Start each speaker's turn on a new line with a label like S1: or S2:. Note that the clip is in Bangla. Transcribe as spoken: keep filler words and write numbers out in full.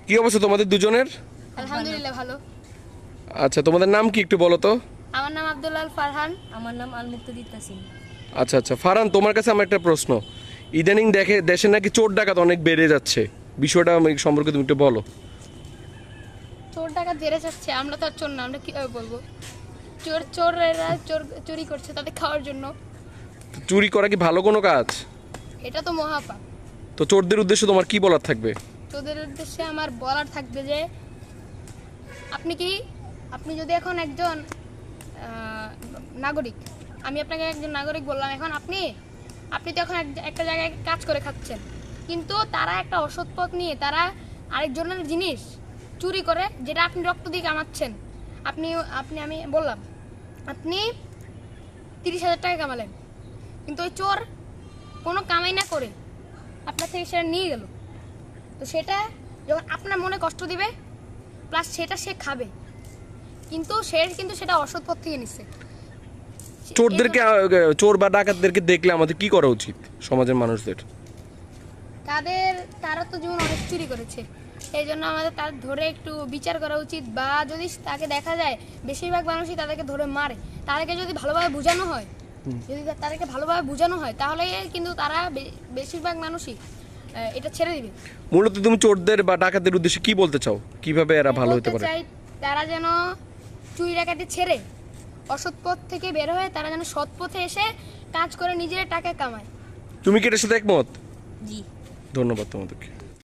S1: কি অবস্থা তোমাদের দুজনের?
S2: আলহামদুলিল্লাহ ভালো।
S1: আচ্ছা, তোমাদের নাম কি একটু বলো তো?
S2: আমার নাম আব্দুল্লাহ ফারহান।
S3: আমার নাম আল মুক্তাদির তাসিম।
S1: আচ্ছা আচ্ছা, ফারহান, তোমার কাছে আমার একটা প্রশ্ন। ইদানিং দেখে দেশে নাকি চোর ডাকাত অনেক বেড়ে যাচ্ছে, বিষয়টা আমি সম্পর্কে তুমি একটু বলো।
S2: চোর ডাকাত বেড়ে যাচ্ছে, আমরা তো আর চোর না, আমরা কিভাবে বলবো? চোর চোরেরা চোর চুরি করছে তাদের খাওয়ার জন্য।
S1: তো চুরি করা কি ভালো কোনো কাজ?
S2: এটা তো মহাপাপ।
S1: তো চোরদের উদ্দেশ্যে তোমার কি বলার থাকবে?
S2: তোদের উদ্দেশ্যে আমার বলার থাকবে যে আপনি কি আপনি যদি এখন একজন আহ, নাগরিক, আমি আপনাকে একজন নাগরিক বললাম, এখন আপনি আপনি তো এখন এক- একটা জায়গায় কাজ করে খাচ্ছেন, কিন্তু তারা একটা অসৎ পথ নিয়ে তারা আরেকজনের জিনিস চুরি করে, যেটা আপনি রক্ত দিয়ে কামাচ্ছেন। আপনি আপনি আমি বললাম আপনি তিরিশ হাজার টাকা কামালেন, কিন্তু ওই চোর কোনো কামাই না করে আপনার থেকে সেটা নিয়ে গেল। তো সেটা যখন আপনার মনে কষ্ট দিবে, প্লাস সেটা সে খাবে, কিন্তু সে কিন্তু সেটা অসৎ পথ থেকে নিচ্ছে।
S1: চোরদেরকে আহ, চোর বা ডাকাতদেরকে দেখলে আমাদের কি করা উচিত সমাজের মানুষদের?
S2: তাদের তারা তো যেমন অনেক চুরি করেছে, এই জন্য আমাদের তার ধরে একটু বিচার করা উচিত, বা যদি তাকে দেখা যায়, বেশিরভাগ মানুষই তাদেরকে ধরে মারে, তাদেরকে যদি ভালোভাবে বোঝানো হয়, যদি তাদেরকে ভালোভাবে বোঝানো হয়, তাহলে কিন্তু তারা বে- বেশিরভাগ মানুষই আহ, এটা ছেড়ে দিবে।
S1: মূলত তুমি চোরদের বা ডাকাতদের উদ্দেশ্যে কি বলতে চাও, কিভাবে এরা ভালো হতে
S2: বলতে
S1: পারে?
S2: চাই, তারা যেন চুরি ডাকাতি ছেড়ে অসৎ পথ থেকে বের হয়ে তারা যেন সৎ পথে এসে কাজ করে নিজের টাকা কামায়।
S1: তুমি কি এটার সাথে একমত?
S3: জি।
S1: ধন্যবাদ তোমাদেরকে।